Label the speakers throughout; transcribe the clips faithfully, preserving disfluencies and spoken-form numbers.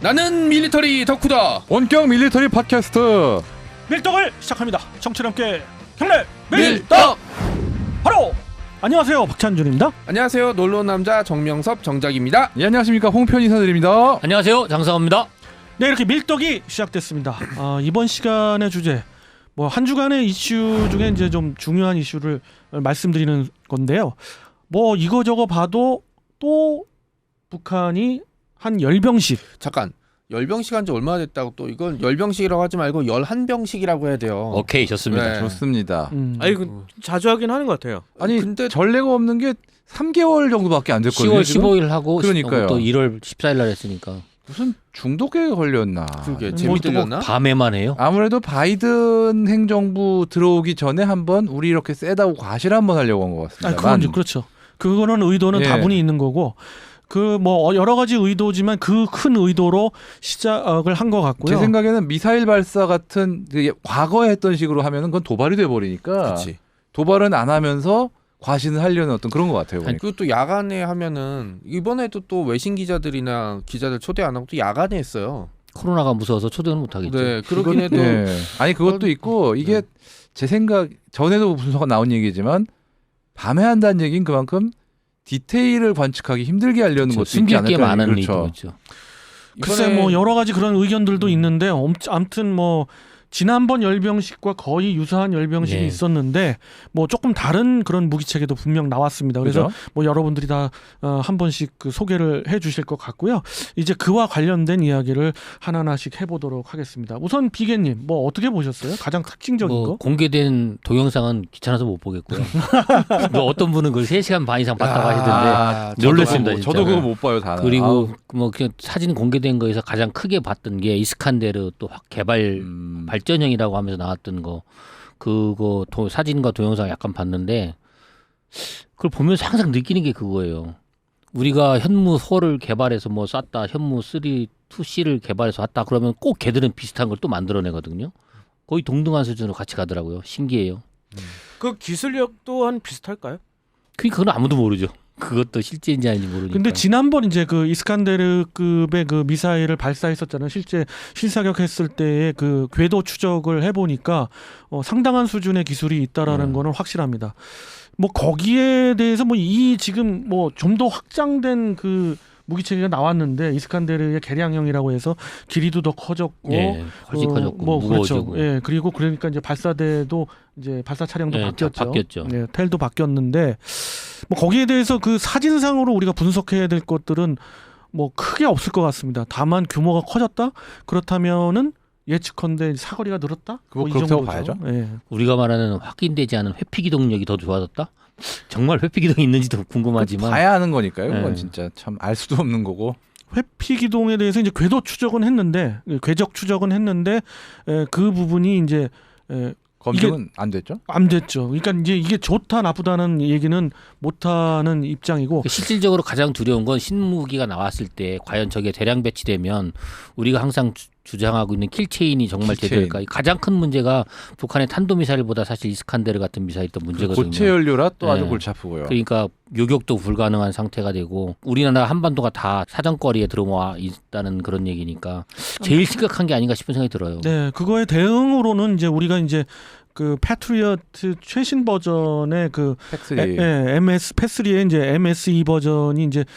Speaker 1: 나는 밀리터리 덕후다.
Speaker 2: 원격 밀리터리 팟캐스트
Speaker 3: 밀떡을 시작합니다. 정치와 함께 경례
Speaker 1: 밀떡.
Speaker 3: 바로 안녕하세요, 박찬준입니다.
Speaker 1: 안녕하세요, 놀러온 남자 정명섭 정작입니다.
Speaker 2: 예, 안녕하십니까, 홍편 인사드립니다.
Speaker 4: 안녕하세요, 장사원입니다.
Speaker 3: 네, 이렇게 밀떡이 시작됐습니다. 아, 이번 시간의 주제, 뭐 한 주간의 이슈 중에 이제 좀 중요한 이슈를 말씀드리는 건데요. 뭐 이거저거 봐도 또 북한이 한 열 병씩
Speaker 1: 잠깐, 열병식 한 지 얼마나 됐다고 또 이건 열병식이라고 하지 말고 열한 병씩이라고 해야 돼요.
Speaker 4: 오케이, 좋습니다.
Speaker 1: 네.
Speaker 2: 좋습니다.
Speaker 3: 음.
Speaker 5: 아니 그 자주 하긴 하는 것 같아요.
Speaker 2: 아니
Speaker 1: 근데
Speaker 2: 전례가 없는 게 삼 개월 정도밖에 안 됐거든요.
Speaker 4: 시월
Speaker 2: 지금?
Speaker 4: 십오일 하고
Speaker 2: 그러니까요.
Speaker 4: 또 일월 십사일 날 했으니까
Speaker 2: 무슨 중독에 걸렸나.
Speaker 1: 그게
Speaker 3: 뭐
Speaker 1: 재미
Speaker 3: 또
Speaker 1: 들렸나?
Speaker 4: 밤에만 해요.
Speaker 2: 아무래도 바이든 행정부 들어오기 전에 한번 우리 이렇게 세다고 과실 한번 하려고 한 것 같습니다.
Speaker 3: 아, 그건 이제 그렇죠. 그거는 의도는
Speaker 2: 예.
Speaker 3: 다분히 있는 거고. 그 뭐 여러 가지 의도지만 그 큰 의도로 시작을 한 것 같고요.
Speaker 2: 제 생각에는 미사일 발사 같은 그 과거에 했던 식으로 하면은 그건 도발이 돼 버리니까
Speaker 1: 그렇지.
Speaker 2: 도발은 안 하면서 과신을 하려는 어떤 그런 것 같아요.
Speaker 1: 아니,
Speaker 2: 보니까.
Speaker 1: 그리고 또 야간에 하면은 이번에도 또 외신 기자들이나 기자들 초대 안 하고 또 야간에 했어요.
Speaker 4: 코로나가 무서워서 초대는 못 하겠죠.
Speaker 1: 네, 그렇긴 해도
Speaker 2: 예. 아니 그것도 있고 이게
Speaker 1: 네.
Speaker 2: 제 생각 전에도 분석가 나온 얘기지만 밤에 한다는 얘기는 그만큼 디테일을 관측하기 힘들게 하려는
Speaker 4: 그렇죠.
Speaker 2: 것도 있지
Speaker 4: 숨길 게
Speaker 2: 않을까.
Speaker 4: 많은
Speaker 2: 그렇죠.
Speaker 4: 의도죠.
Speaker 3: 글쎄
Speaker 1: 이번에
Speaker 3: 뭐 여러 가지 그런 의견들도 있는데 아무튼 뭐 지난번 열병식과 거의 유사한 열병식이
Speaker 4: 네.
Speaker 3: 있었는데 뭐 조금 다른 그런 무기체계도 분명 나왔습니다. 그래서
Speaker 2: 그죠?
Speaker 3: 뭐 여러분들이 다 한 번씩 그 소개를 해주실 것 같고요. 이제 그와 관련된 이야기를 하나하나씩 해보도록 하겠습니다. 우선 비계님 뭐 어떻게 보셨어요? 가장 특징적인
Speaker 4: 뭐
Speaker 3: 거?
Speaker 4: 공개된 동영상은 귀찮아서 못 보겠고요. 뭐 어떤 분은 그걸 세 시간 반 이상 봤다고 하시던데
Speaker 1: 아,
Speaker 4: 놀랐습니다,
Speaker 2: 저도,
Speaker 4: 진짜.
Speaker 2: 저도 그거 못 봐요 다.
Speaker 4: 그리고 뭐 그냥 사진 공개된 거에서 가장 크게 봤던 게 이스칸데르 또 확 개발
Speaker 2: 음,
Speaker 4: 발전형이라고 하면서 나왔던 거 그거 도, 사진과 동영상 약간 봤는데 그걸 보면서 항상 느끼는 게 그거예요. 우리가 현무 사를 개발해서 뭐 쐈다, 현무 삼, 이 씨를 개발해서 왔다 그러면 꼭 걔들은 비슷한 걸 또 만들어내거든요. 거의 동등한 수준으로 같이 가더라고요. 신기해요.
Speaker 5: 그 기술력 또한 비슷할까요?
Speaker 4: 그러니까 그건 아무도 모르죠. 그것도 실제인지 아닌지 모르니까.
Speaker 3: 근데 지난번 이제 그 이스칸데르급의 그 미사일을 발사했었잖아요. 실제 실사격했을 때의 그 궤도 추적을 해보니까 어, 상당한 수준의 기술이 있다라는
Speaker 4: 음.
Speaker 3: 거는 확실합니다. 뭐 거기에 대해서 뭐 이 지금 뭐 좀 더 확장된 그 무기체계가 나왔는데 이스칸데르의 개량형이라고 해서 길이도 더 커졌고,
Speaker 4: 예, 훨씬
Speaker 3: 어,
Speaker 4: 커졌고
Speaker 3: 뭐
Speaker 4: 무거워지고.
Speaker 3: 그렇죠. 예, 그리고 그러니까 이제 발사대도 이제 발사 차량도
Speaker 4: 예,
Speaker 3: 바뀌었죠.
Speaker 4: 다 바뀌었죠.
Speaker 3: 예, 텔도 바뀌었는데 뭐 거기에 대해서 그 사진상으로 우리가 분석해야 될 것들은 뭐 크게 없을 것 같습니다. 다만 규모가 커졌다? 그렇다면은 예측컨대 사거리가 늘었다?
Speaker 2: 그거
Speaker 3: 뭐이
Speaker 2: 그렇다고
Speaker 3: 정도죠.
Speaker 2: 봐야죠.
Speaker 3: 예.
Speaker 4: 우리가 말하는 확인되지 않은 회피기동력이 더 좋아졌다? 정말 회피기동이 있는지도 궁금하지만
Speaker 2: 봐야 하는 거니까요. 그건
Speaker 4: 네.
Speaker 2: 진짜 참 알 수도 없는 거고.
Speaker 3: 회피 기동에 대해서 이제 궤도 추적은 했는데 궤적 추적은 했는데 에, 그 부분이 이제 에,
Speaker 2: 검증은 안 됐죠?
Speaker 3: 안 됐죠. 그러니까 이제 이게 좋다 나쁘다는 얘기는 못하는 입장이고.
Speaker 4: 실질적으로 가장 두려운 건 신무기가 나왔을 때 과연 저게 대량 배치되면 우리가 항상 주, 주장하고 있는 킬체인이 정말
Speaker 2: 킬체인.
Speaker 4: 제대로일까? 가장 큰 문제가 북한의 탄도미사일보다 사실 이스칸데르 같은 미사일이 더 문제거든요.
Speaker 2: 고체 연료라 또 아주
Speaker 4: 네.
Speaker 2: 골치 아프고요.
Speaker 4: 그러니까 요격도 불가능한 상태가 되고 우리나라 한반도가 다 사정거리에 들어와 있다는 그런 얘기니까 제일 심각한 게 아닌가 싶은 생각이 들어요.
Speaker 3: 네, 그거에 대응으로는 이제 우리가 이제 그 패트리어트 최신 버전의 그
Speaker 2: 팩스리.
Speaker 3: 에, 에, 엠에스 패스리의 이제 엠에스이 버전이 이제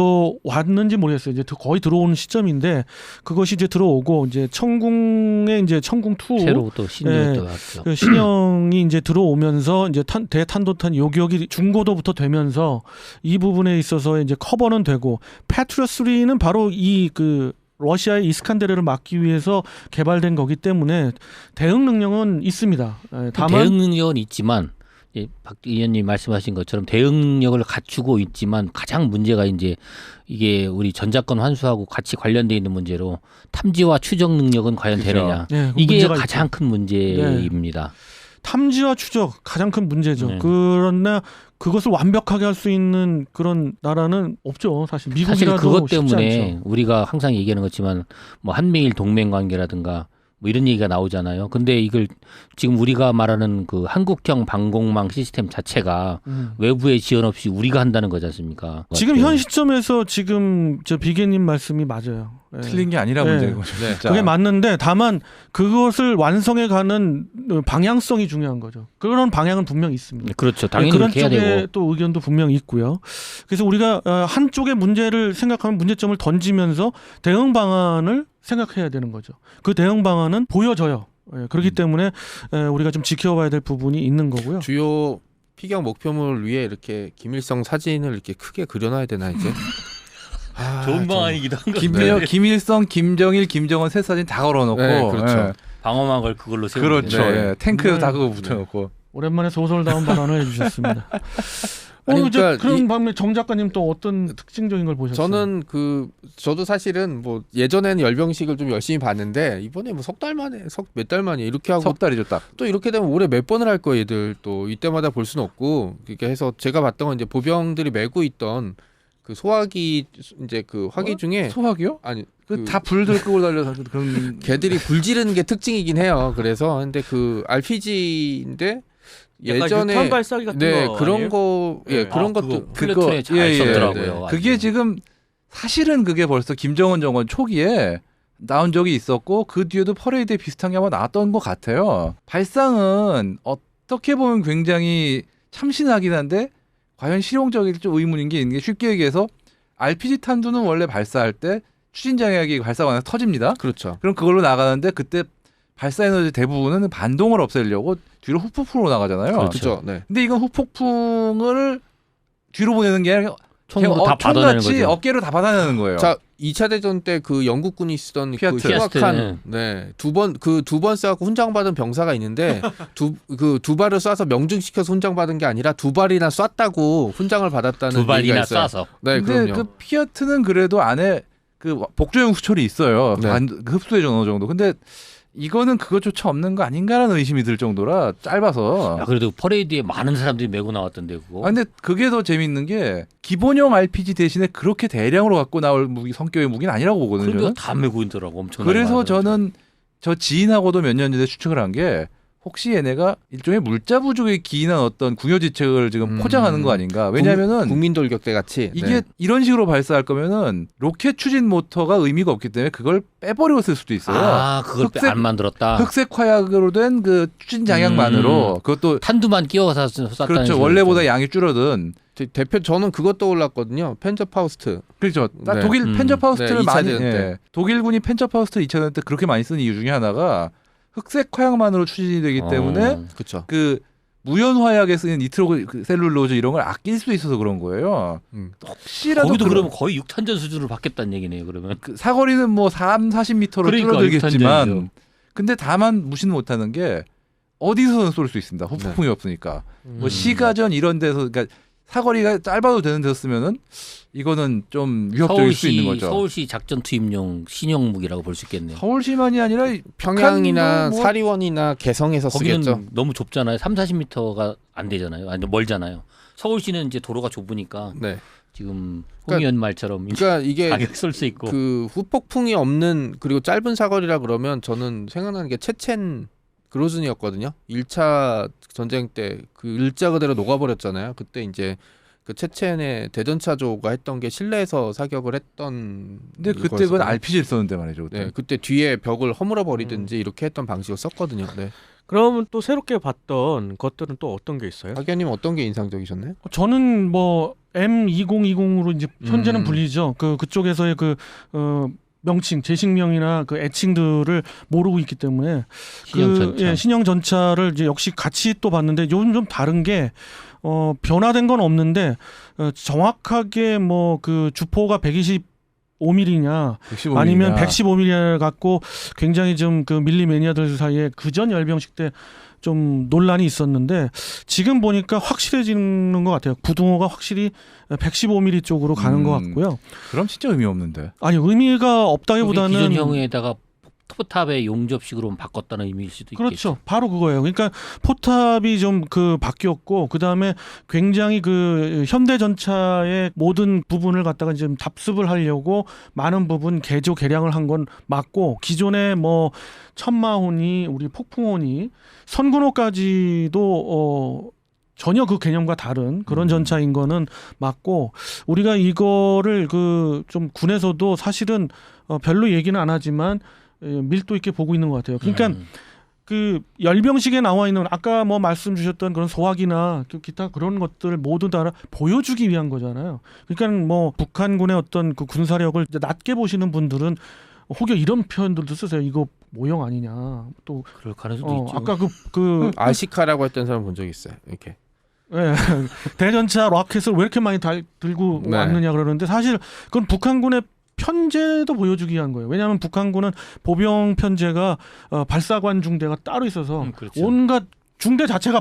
Speaker 3: 들어왔는지 모르겠어요. 이제 거의 들어오는 시점인데 그것이 이제 들어오고 이제 청궁의 이제 청궁 투
Speaker 4: 새로 또 신이
Speaker 3: 예,
Speaker 4: 또 왔죠.
Speaker 3: 그 신형이 이제 들어오면서 이제 탄, 대탄도탄 요격이 중고도부터 되면서 이 부분에 있어서 이제 커버는 되고 패트리어 쓰리는 바로 이 그 러시아의 이스칸데르를 막기 위해서 개발된 거기 때문에 대응 능력은 있습니다. 예, 다만
Speaker 4: 대응 능력은 있지만 예, 박 의원님 말씀하신 것처럼 대응 능력을 갖추고 있지만 가장 문제가 이제 이게 우리 전자권 환수하고 같이 관련돼 있는 문제로 탐지와 추적 능력은 과연
Speaker 2: 그죠.
Speaker 4: 되느냐
Speaker 3: 예,
Speaker 4: 이게
Speaker 3: 문제가
Speaker 4: 가장
Speaker 3: 있죠.
Speaker 4: 큰 문제입니다.
Speaker 3: 탐지와 추적 가장 큰 문제죠.
Speaker 4: 네.
Speaker 3: 그러나 그것을 완벽하게 할 수 있는 그런 나라는 없죠. 사실
Speaker 4: 사실
Speaker 3: 미국이라도
Speaker 4: 그것
Speaker 3: 쉽지
Speaker 4: 때문에
Speaker 3: 않죠.
Speaker 4: 우리가 항상 얘기하는 것지만 뭐 한미일 동맹 관계라든가 뭐 이런 얘기가 나오잖아요. 근데 이걸 지금 우리가 말하는 그 한국형 방공망 시스템 자체가
Speaker 3: 음.
Speaker 4: 외부의 지원 없이 우리가 한다는 거지 않습니까?
Speaker 3: 지금 현 시점에서 지금 저 비계님 말씀이 맞아요. 예.
Speaker 2: 틀린 게 아니라
Speaker 3: 네.
Speaker 2: 문제인 거죠.
Speaker 1: 네.
Speaker 2: 진짜.
Speaker 3: 그게 맞는데 다만 그것을 완성해 가는 방향성이 중요한 거죠. 그런 방향은 분명히 있습니다.
Speaker 4: 그렇죠. 당연히
Speaker 3: 그런
Speaker 4: 그렇게 해야
Speaker 3: 쪽에
Speaker 4: 되고.
Speaker 3: 또 의견도 분명히 있고요. 그래서 우리가 어, 한쪽의 문제를 생각하면 문제점을 던지면서 대응 방안을 생각해야 되는 거죠. 그 대응 방안은 보여져요. 예, 그렇기
Speaker 2: 음.
Speaker 3: 때문에 에, 우리가 좀 지켜봐야 될 부분이 있는 거고요.
Speaker 1: 주요 피격 목표물 위에 이렇게 김일성 사진을 이렇게 크게 그려놔야 되나 이제? 아,
Speaker 4: 좋은
Speaker 1: 좀-
Speaker 4: 방안이기도 한 건데.
Speaker 2: 김일, 김일성, 김정일, 김정은 세 사진 다 걸어놓고
Speaker 1: 네, 그렇죠.
Speaker 2: 예.
Speaker 4: 방어만 걸 그걸로 세우는
Speaker 2: 그렇죠.
Speaker 1: 네.
Speaker 2: 예. 탱크에도
Speaker 3: 네.
Speaker 2: 다 그거 붙여놓고.
Speaker 3: 오랜만에 소설다운 발언을 해주셨습니다. 어,
Speaker 1: 아니,
Speaker 3: 이제
Speaker 1: 그러니까
Speaker 3: 그런
Speaker 1: 이-
Speaker 3: 방면 정 작가님 또 어떤 특징적인 걸 보셨어요?
Speaker 1: 저는 그 저도 사실은 뭐 예전에는 열병식을 좀 열심히 봤는데 이번에 뭐 석 달 만에 석 몇 달 만에 이렇게 하고
Speaker 2: 석 달이죠 딱.
Speaker 1: 또 이렇게 되면 올해 몇 번을 할 거예요, 얘들 또 이때마다 볼 수는 없고 그렇게 해서 제가 봤던 건 이제 보병들이 메고 있던 그 소화기 이제 그 화기
Speaker 2: 어?
Speaker 1: 중에
Speaker 2: 소화기요?
Speaker 1: 아니
Speaker 2: 그 다 불들 끄고 달려서 그런.
Speaker 1: 개들이 불 지르는 게 특징이긴 해요. 그래서 근데 그 알피지인데
Speaker 5: 약간
Speaker 1: 예전에
Speaker 5: 유탄 발사기 같은
Speaker 1: 네
Speaker 5: 거
Speaker 1: 그런
Speaker 5: 아니에요?
Speaker 1: 거 예
Speaker 5: 네.
Speaker 1: 그런
Speaker 4: 아,
Speaker 1: 것도
Speaker 4: 그거
Speaker 2: 그거-
Speaker 4: 플래톤에 잘
Speaker 2: 예, 예,
Speaker 4: 썼더라고요.
Speaker 1: 네.
Speaker 4: 아주.
Speaker 2: 그게 지금 사실은 그게 벌써 김정은 정권 초기에 나온 적이 있었고 그 뒤에도 퍼레이드에 비슷한 게 아마 나왔던 것 같아요. 발상은 어떻게 보면 굉장히 참신하긴 한데 과연 실용적일지 좀 의문인 게 있는 게 쉽게 얘기해서 알피지 탄두는 원래 발사할 때 추진장약이 발사가 나서 터집니다.
Speaker 1: 그렇죠.
Speaker 2: 그럼 그걸로 나가는데 그때 발사 에너지 대부분은 반동을 없애려고 뒤로 후폭풍으로 나가잖아요.
Speaker 1: 그렇죠. 네.
Speaker 2: 근데 이건 후폭풍을 뒤로 보내는 게 아니라
Speaker 4: 총으로
Speaker 2: 그냥
Speaker 4: 다
Speaker 2: 어,
Speaker 4: 받아내는
Speaker 2: 총같이
Speaker 4: 거죠.
Speaker 2: 어깨로 다 받아내는 거예요.
Speaker 1: 자, 이 차 대전 때 그 영국군이 쓰던
Speaker 2: 피아트.
Speaker 1: 그 흉악한
Speaker 4: 피아트,
Speaker 1: 네. 두 번 그 두 번 쏴갖고 훈장받은 병사가 있는데 두 그 두 발을 쏴서 명중시켜서 훈장받은 게 아니라 두 발이나 쐈다고 훈장을 받았다는
Speaker 4: 두 발이나
Speaker 1: 얘기가 있어요.
Speaker 4: 쏴서.
Speaker 1: 네,
Speaker 2: 근데
Speaker 1: 그럼요.
Speaker 2: 그 피아트는 그래도 안에 그 복조용 수철이 있어요.
Speaker 1: 네.
Speaker 2: 반, 그 흡수해줘 어느 정도. 근데 이거는 그것조차 없는 거 아닌가라는 의심이 들 정도라 짧아서.
Speaker 4: 야, 그래도 퍼레이드에 많은 사람들이 메고 나왔던데 그거.
Speaker 2: 아, 근데 그게 더 재밌는 게 기본형 알피지 대신에 그렇게 대량으로 갖고 나올 무기 성격의 무기는 아니라고 보거든요.
Speaker 4: 그런데
Speaker 2: 저는.
Speaker 4: 다 메고 있더라고 엄청.
Speaker 2: 그래서 저는 저 지인하고도 몇 년 전에 추측을 한 게 혹시 얘네가 일종의 물자 부족에 기인한 어떤 궁여지책을 지금
Speaker 1: 음.
Speaker 2: 포장하는 거 아닌가? 왜냐하면은
Speaker 1: 국민 돌격대 같이
Speaker 2: 이게
Speaker 1: 네.
Speaker 2: 이런 식으로 발사할 거면은 로켓 추진 모터가 의미가 없기 때문에 그걸 빼버리고 쓸 수도 있어요.
Speaker 4: 아 그걸 빼-
Speaker 2: 흑색-
Speaker 4: 안 만들었다.
Speaker 2: 흑색 화약으로 된 그 추진 장약만으로
Speaker 4: 음.
Speaker 2: 그것도
Speaker 4: 탄두만 끼워서 쐈다는.
Speaker 2: 그렇죠.
Speaker 4: 식으로
Speaker 2: 원래보다
Speaker 4: 했잖아요.
Speaker 2: 양이 줄어든.
Speaker 1: 대- 대표 저는 그것 떠올랐거든요. 펜저 파우스트.
Speaker 2: 그렇죠. 딱
Speaker 1: 네.
Speaker 2: 독일
Speaker 4: 음.
Speaker 2: 펜저 파우스트를
Speaker 1: 네, 이 차
Speaker 2: 많이
Speaker 1: 대전
Speaker 2: 예.
Speaker 1: 때.
Speaker 2: 독일군이 펜저 파우스트 이 차 대전 때 그렇게 많이 쓰는 이유 중에 하나가 흑색 화약만으로 추진이 되기 때문에
Speaker 4: 어.
Speaker 1: 그렇죠.
Speaker 2: 그 무연 화약에 쓰는 니트로 셀룰로즈 이런 걸 아낄 수 있어서 그런 거예요.
Speaker 1: 음.
Speaker 2: 혹시라도
Speaker 4: 거기도
Speaker 2: 그런-
Speaker 4: 그러면 거의 육탄전 수준으로 바뀌었다는 얘기네요. 그러면.
Speaker 2: 그 사거리는 뭐 삼, 사십 미터로
Speaker 4: 그러니까
Speaker 2: 줄어들겠지만
Speaker 4: 육탄전이죠.
Speaker 2: 근데 다만 무시는 못하는 게 어디서든 쏠 수 있습니다. 후폭풍이 없으니까. 뭐
Speaker 5: 음.
Speaker 2: 시가전 이런 데서 그러니까 사거리가 짧아도 되는 데서 쓰면은 이거는 좀 위협적일 수 있는
Speaker 4: 서울시
Speaker 2: 거죠.
Speaker 4: 서울시 작전 투입용 신형 무기라고 볼 수 있겠네요.
Speaker 2: 서울시만이 아니라
Speaker 1: 평양이나
Speaker 2: 북한도 뭐-
Speaker 1: 사리원이나 개성에서
Speaker 4: 거기는
Speaker 1: 쓰겠죠.
Speaker 4: 너무 좁잖아요. 삼, 사십 미터가 안 되잖아요. 아니 멀잖아요. 서울시는 이제 도로가 좁으니까
Speaker 1: 네.
Speaker 4: 지금
Speaker 1: 그러니까-
Speaker 4: 홍의원 말처럼 이제
Speaker 1: 그러니까 이게
Speaker 4: 가격 쏠 수 있고.
Speaker 1: 그 후폭풍이 없는 그리고 짧은 사거리라 그러면 저는 생각나는 게 체첸 그로즈니였거든요. 일 차 전쟁 때 그 일자 그대로 녹아버렸잖아요. 그때 이제 그 체첸의 대전차조가 했던 게 실내에서 사격을 했던.
Speaker 2: 근데 그때 그건
Speaker 1: 거였었거든요.
Speaker 2: 알피지를 썼는데 말이죠. 그때.
Speaker 1: 네, 그때 뒤에 벽을 허물어 버리든지 이렇게 했던 방식을 썼거든요. 네.
Speaker 5: 그러면 또 새롭게 봤던 것들은 또 어떤 게 있어요?
Speaker 1: 박연님 어떤 게 인상적이셨나요?
Speaker 3: 저는 뭐 엠 이천이십으로 이제 현재는
Speaker 1: 음.
Speaker 3: 불리죠. 그 그쪽에서의 그 어, 명칭, 제식명이나 그 애칭들을 모르고 있기 때문에
Speaker 4: 신형
Speaker 3: 그
Speaker 4: 전차.
Speaker 3: 예, 신형 전차를 이제 역시 같이 또 봤는데 요즘 좀 다른 게 어, 변화된 건 없는데 어, 정확하게 뭐 그 주포가 백이십오 밀리미터냐
Speaker 2: 백십오
Speaker 3: 아니면
Speaker 2: 밀리미터.
Speaker 3: 백십오 밀리미터를 갖고 굉장히 좀 그 밀리 매니아들 사이에 그전 열병식 때 좀 논란이 있었는데 지금 보니까 확실해지는 것 같아요. 부등호가 확실히 백십오 밀리미터 쪽으로 가는
Speaker 2: 음.
Speaker 3: 것 같고요.
Speaker 2: 그럼 진짜 의미 없는데.
Speaker 3: 아니 의미가
Speaker 4: 여기
Speaker 3: 없다기보다는
Speaker 4: 기존형에다가 포탑의 용접식으로 바꿨다는 의미일 수도 있겠죠.
Speaker 3: 그렇죠. 바로 그거예요. 그러니까 포탑이 좀 그 바뀌었고 그 다음에 굉장히 그 현대전차의 모든 부분을 갖다가 지금 답습을 하려고 많은 부분 개조 개량을 한 건 맞고 기존에 뭐 천마호니 우리 폭풍호니 선군호까지도 어. 전혀 그 개념과 다른 그런
Speaker 1: 음.
Speaker 3: 전차인 거는 맞고 우리가 이거를 그 좀 군에서도 사실은 어 별로 얘기는 안 하지만 밀도 있게 보고 있는 것 같아요. 그러니까
Speaker 4: 음.
Speaker 3: 그 열병식에 나와 있는 아까 뭐 말씀 주셨던 그런 소화기나 기타 그런 것들 모두 다 보여주기 위한 거잖아요. 그러니까 뭐 북한군의 어떤 그 군사력을 낮게 보시는 분들은 혹여 이런 표현들도 쓰세요. 이거 모형 아니냐. 또
Speaker 4: 그럴 가능성도
Speaker 3: 어,
Speaker 4: 있죠.
Speaker 3: 아까 그 그
Speaker 1: 아시카라고 했던 사람 본 적 있어요. 이렇게.
Speaker 3: 예, 대전차 로켓을 왜 이렇게 많이 달, 들고
Speaker 1: 네.
Speaker 3: 왔느냐 그러는데 사실 그건 북한군의 편제도 보여주기 위한 거예요. 왜냐하면 북한군은 보병 편제가 어, 발사관 중대가 따로 있어서
Speaker 4: 음, 그렇죠.
Speaker 3: 온갖 중대 자체가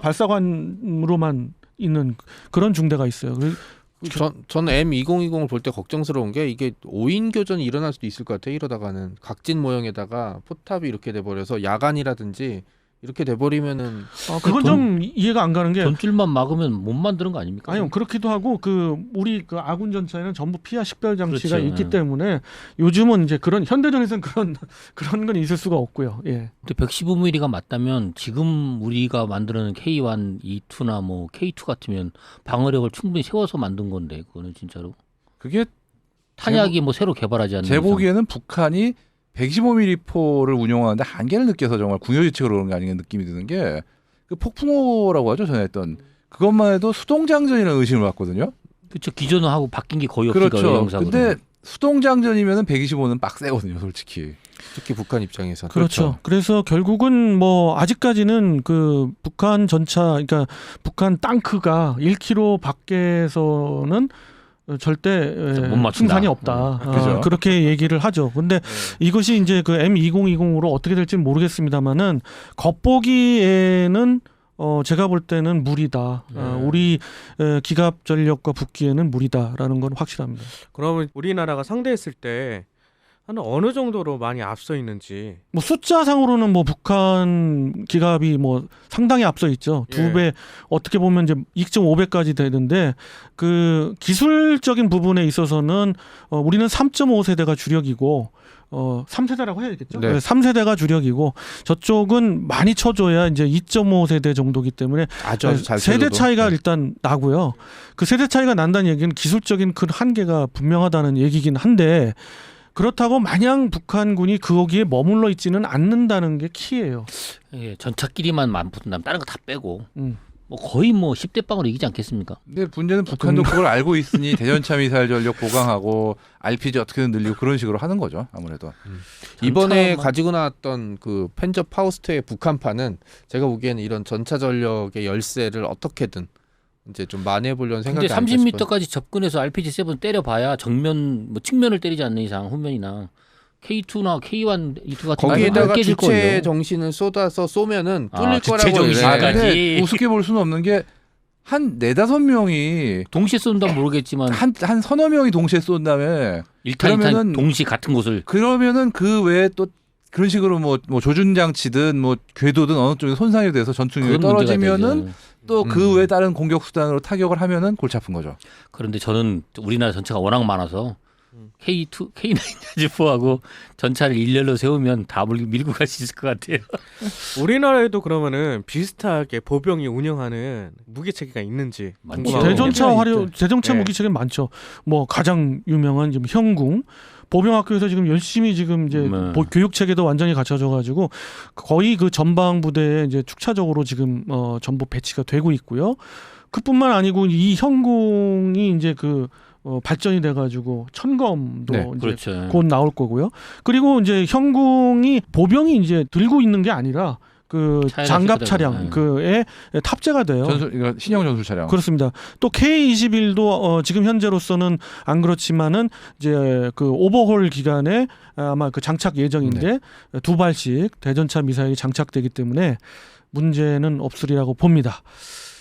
Speaker 3: 발사관으로만 있는 그런 중대가 있어요. 그-
Speaker 1: 전, 저는 엠 이천이십을 볼 때 걱정스러운 게 이게 오인 교전이 일어날 수도 있을 것 같아요. 이러다가는 각진 모형에다가 포탑이 이렇게 돼버려서 야간이라든지 이렇게 돼버리면은
Speaker 3: 아, 그건
Speaker 4: 돈-
Speaker 3: 좀 이해가 안 가는 게
Speaker 4: 돈줄만 막으면 못 만드는 거 아닙니까?
Speaker 3: 아니요 그렇기도 하고 그 우리 그 아군 전차에는 전부 피하 식별 장치가
Speaker 4: 그렇죠.
Speaker 3: 있기
Speaker 4: 예.
Speaker 3: 때문에 요즘은 이제 그런 현대전에서는 그런 그런 건 있을 수가 없고요. 예.
Speaker 4: 근데 백십오 밀리미터가 맞다면 지금 우리가 만드는 케이 원, 이 투나 뭐 케이 투 같으면 방어력을 충분히 세워서 만든 건데 그거는 진짜로
Speaker 2: 그게
Speaker 4: 탄약이 뭐 새로 개발하지 않는
Speaker 2: 제
Speaker 4: 이상.
Speaker 2: 보기에는 북한이 백이십오 밀리미터 포를 운용하는데 한계를 느껴서 정말 궁여지책으로 그런 게 아닌가 느낌이 드는 게 그 폭풍호라고 하죠 전에 했던 그것만 해도 수동장전이라는 의심을 받거든요.
Speaker 4: 그렇죠. 기존하고 바뀐 게 거의 없으니까
Speaker 2: 그렇죠.
Speaker 4: 영상으로.
Speaker 2: 근데 수동장전이면은 백이십오는 빡세거든요, 솔직히.
Speaker 1: 특히 북한 입장에서는
Speaker 3: 그렇죠. 그래서 결국은 뭐 아직까지는 그 북한 전차, 그러니까 북한 땅크가 일 킬로미터 밖에서는 절대
Speaker 4: 못 맞춘다.
Speaker 3: 승산이 없다.
Speaker 2: 음, 그죠.
Speaker 3: 어, 그렇게 얘기를 하죠. 근데 이것이 이제 그 엠 이천이십으로 어떻게 될지는 모르겠습니다만은 겉보기에는 어 제가 볼 때는 무리다.
Speaker 5: 네.
Speaker 3: 어, 우리 에, 기갑 전력과 붙기에는 무리다라는 건 확실합니다.
Speaker 5: 그러면 우리나라가 상대했을 때 한 어느 정도로 많이 앞서 있는지.
Speaker 3: 뭐 숫자상으로는 뭐 북한 기갑이 뭐 상당히 앞서 있죠.
Speaker 5: 예.
Speaker 3: 두 배 어떻게 보면 이제 이 점 오 배까지 되는데 그 기술적인 부분에 있어서는 어 우리는 삼 점 오 세대가 주력이고 어 삼 세대라고 해야겠죠.
Speaker 1: 네.
Speaker 3: 삼 세대가 주력이고 저쪽은 많이 쳐줘야 이제 이 점 오 세대 정도기 때문에
Speaker 1: 아주 아주 잘
Speaker 3: 세대
Speaker 1: 쳐줘도.
Speaker 3: 차이가
Speaker 1: 네.
Speaker 3: 일단 나고요. 그 세대 차이가 난다는 얘기는 기술적인 그 한계가 분명하다는 얘기긴 한데 그렇다고 마냥 북한군이 거기에 머물러 있지는 않는다는 게 키예요.
Speaker 4: 예, 전차끼리만 맞붙는다면 다른 거 다 빼고
Speaker 3: 음.
Speaker 4: 뭐 거의 뭐 십 대 빵으로 이기지 않겠습니까?
Speaker 2: 근데 문제는 북한도 그걸 알고 있으니 대전차 미사일 전력 보강하고 알피지 어떻게든 늘리고 그런 식으로 하는 거죠, 아무래도.
Speaker 1: 이번에
Speaker 4: 전차만-
Speaker 1: 가지고 나왔던 그 펜저 파우스트의 북한판은 제가 보기에는 이런 전차 전력의 열세를 어떻게든 이제 좀 만회해 보려는 생각이
Speaker 4: 근데
Speaker 1: 아닐까
Speaker 4: 삼십
Speaker 1: 싶어요.
Speaker 4: 미터까지 접근해서 알피지 세븐 때려봐야 정면 뭐 측면을 때리지 않는 이상 후면이나 케이 투나 케이 원, 이 투 같은
Speaker 1: 거기에다가
Speaker 4: 경우는 깨질
Speaker 1: 주체
Speaker 4: 거예요.
Speaker 1: 정신을 쏟아서 쏘면은
Speaker 4: 아,
Speaker 1: 뚫릴
Speaker 4: 주체
Speaker 1: 거라고
Speaker 4: 정신.
Speaker 2: 아,
Speaker 1: 이래요.
Speaker 4: 까지.
Speaker 2: 근데 우습게 볼 수는 없는 게 한 네다섯 명이
Speaker 4: 동시에 쏜다면 모르겠지만
Speaker 2: 한, 한 서너 명이 동시에 쏜 다음에
Speaker 4: 일탄 이탄
Speaker 2: 그러면은-
Speaker 4: 동시 같은 곳을
Speaker 2: 그러면은 그 외에 또 그런 식으로 뭐, 뭐 조준 장치든 뭐 궤도든 어느 쪽에 손상이 돼서 전투력이
Speaker 4: 그건 문제가
Speaker 2: 떨어지면은
Speaker 4: 되죠.
Speaker 2: 또 그
Speaker 1: 음.
Speaker 2: 외에 다른 공격 수단으로 타격을 하면은 골치 아픈 거죠.
Speaker 4: 그런데 저는 우리나라 전차가 워낙 많아서
Speaker 5: 음.
Speaker 4: 케이 투, 케이 나인까지포하고 전차를 일렬로 세우면 다 밀- 밀고 갈 수 있을 것 같아요.
Speaker 5: 우리나라에도 그러면은 비슷하게 보병이 운영하는 무기 체계가 있는지
Speaker 4: 많죠.
Speaker 3: 뭐
Speaker 5: 궁금하거든요.
Speaker 3: 대전차
Speaker 4: 네,
Speaker 3: 활용
Speaker 4: 있죠.
Speaker 3: 대전차
Speaker 5: 네.
Speaker 3: 무기 체계 많죠. 뭐 가장 유명한 지금 형궁 보병학교에서 지금 열심히 지금 이제
Speaker 4: 네.
Speaker 3: 보- 교육 체계도 완전히 갖춰져 가지고 거의 그 전방 부대에 이제 축차적으로 지금 어 전부 배치가 되고 있고요. 그뿐만 아니고 이 형궁이 이제 그 어, 발전이 돼 가지고 천검도
Speaker 1: 네,
Speaker 3: 이제
Speaker 4: 그렇죠.
Speaker 3: 곧 나올 거고요. 그리고 이제 형궁이 보병이 이제 들고 있는 게 아니라 그
Speaker 4: 차에다
Speaker 3: 장갑
Speaker 4: 싣고
Speaker 3: 차량
Speaker 4: 다니고,
Speaker 3: 그에 탑재가 돼요.
Speaker 2: 전술 이거 신형 전술 차량.
Speaker 3: 그렇습니다. 또 케이 이십일도 어, 지금 현재로서는 안 그렇지만은 이제 그 오버홀 기간에 아마 그 장착 예정인데 두 발씩 대전차 미사일이 장착되기 때문에 문제는 없으리라고 봅니다.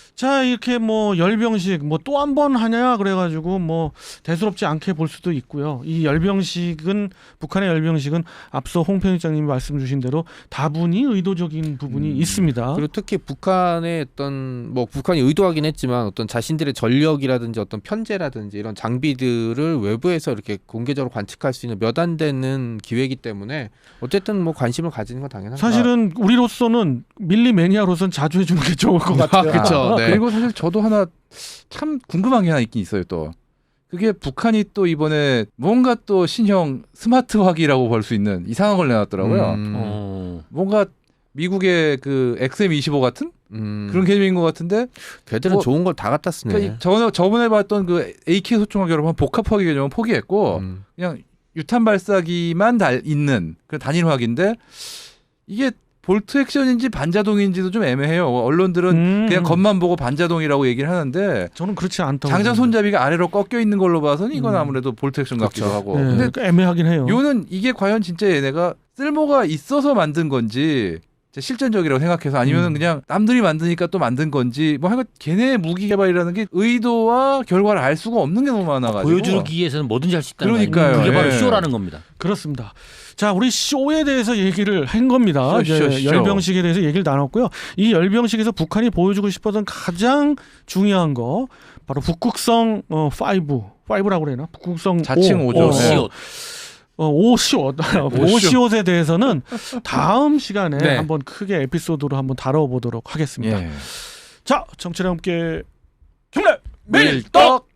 Speaker 3: 자 이렇게 뭐 열병식 뭐 또 한 번 하냐 그래가지고 뭐 대수롭지 않게 볼 수도 있고요. 이 열병식은 북한의 열병식은 앞서 홍 편집장님이 말씀 주신 대로 다분히 의도적인 부분이
Speaker 2: 음.
Speaker 3: 있습니다.
Speaker 1: 그리고 특히 북한의 어떤 뭐 북한이 의도하긴 했지만 어떤 자신들의 전력이라든지 어떤 편제라든지 이런 장비들을 외부에서 이렇게 공개적으로 관측할 수 있는 몇 안 되는 기회이기 때문에 어쨌든 뭐 관심을 가지는 건 당연하죠.
Speaker 3: 사실은 우리로서는 밀리 매니아로서는 자주 해주는 게 좋을 것 같아요.
Speaker 1: 그쵸. 네.
Speaker 2: 그리고 사실 저도 하나 참 궁금한 게 하나 있긴 있어요. 또 그게 북한이 또 이번에 뭔가 또 신형 스마트화기라고 볼 수 있는 이상한 걸 내놨더라고요.
Speaker 1: 음,
Speaker 4: 어.
Speaker 2: 뭔가 미국의 그 엑스엠 이십오 같은
Speaker 1: 음,
Speaker 2: 그런 개념인 것 같은데
Speaker 1: 걔들은
Speaker 2: 뭐,
Speaker 1: 좋은 걸 다 갖다 쓰네.
Speaker 2: 그러니까 이- 저, 저번에 봤던 그 에이케이 소총화기 여러분 복합화기 개념은 포기했고
Speaker 1: 음.
Speaker 2: 그냥 유탄 발사기만 달 있는 그 단일화기인데 이게 볼트 액션인지 반자동인지도 좀 애매해요. 언론들은
Speaker 3: 음.
Speaker 2: 그냥 겉만 보고 반자동이라고 얘기를 하는데
Speaker 3: 저는 그렇지 않다고.
Speaker 2: 장전 손잡이가 아래로 꺾여 있는 걸로 봐서는 이건
Speaker 3: 음.
Speaker 2: 아무래도 볼트 액션 같기도
Speaker 1: 그렇죠.
Speaker 2: 하고.
Speaker 3: 네,
Speaker 2: 근데
Speaker 3: 그러니까 애매하긴 해요.
Speaker 2: 요는 이게 과연 진짜 얘네가 쓸모가 있어서 만든 건지 진짜 실전적이라고 생각해서 아니면
Speaker 3: 음.
Speaker 2: 그냥 남들이 만드니까 또 만든 건지 뭐 하여간 걔네의 무기 개발이라는 게 의도와 결과를 알 수가 없는 게 너무 많아가지고
Speaker 4: 보여주기 위해서는 뭐든지 할 수 있다는
Speaker 2: 그러니까요.
Speaker 4: 거 아니에요. 그게 바로
Speaker 2: 예.
Speaker 4: 쇼라는 겁니다.
Speaker 3: 그렇습니다. 자, 우리 쇼에 대해서 얘기를 한 겁니다.
Speaker 2: 쇼,
Speaker 3: 이제
Speaker 2: 쇼, 쇼.
Speaker 3: 열병식에 대해서 얘기를 나눴고요. 이 열병식에서 북한이 보여주고 싶었던 가장 중요한 거 바로 북극성 어, 오, 오라고 그래나? 북극성
Speaker 2: 자칭
Speaker 3: 오.
Speaker 2: 오죠.
Speaker 3: 어,
Speaker 2: 네.
Speaker 3: 어, 어, 오시옷. 오시옷에 대해서는 다음 시간에
Speaker 1: 네.
Speaker 3: 한번 크게 에피소드로 한번 다뤄보도록 하겠습니다.
Speaker 2: 예.
Speaker 3: 자, 정치와 함께 경례
Speaker 2: 밀떡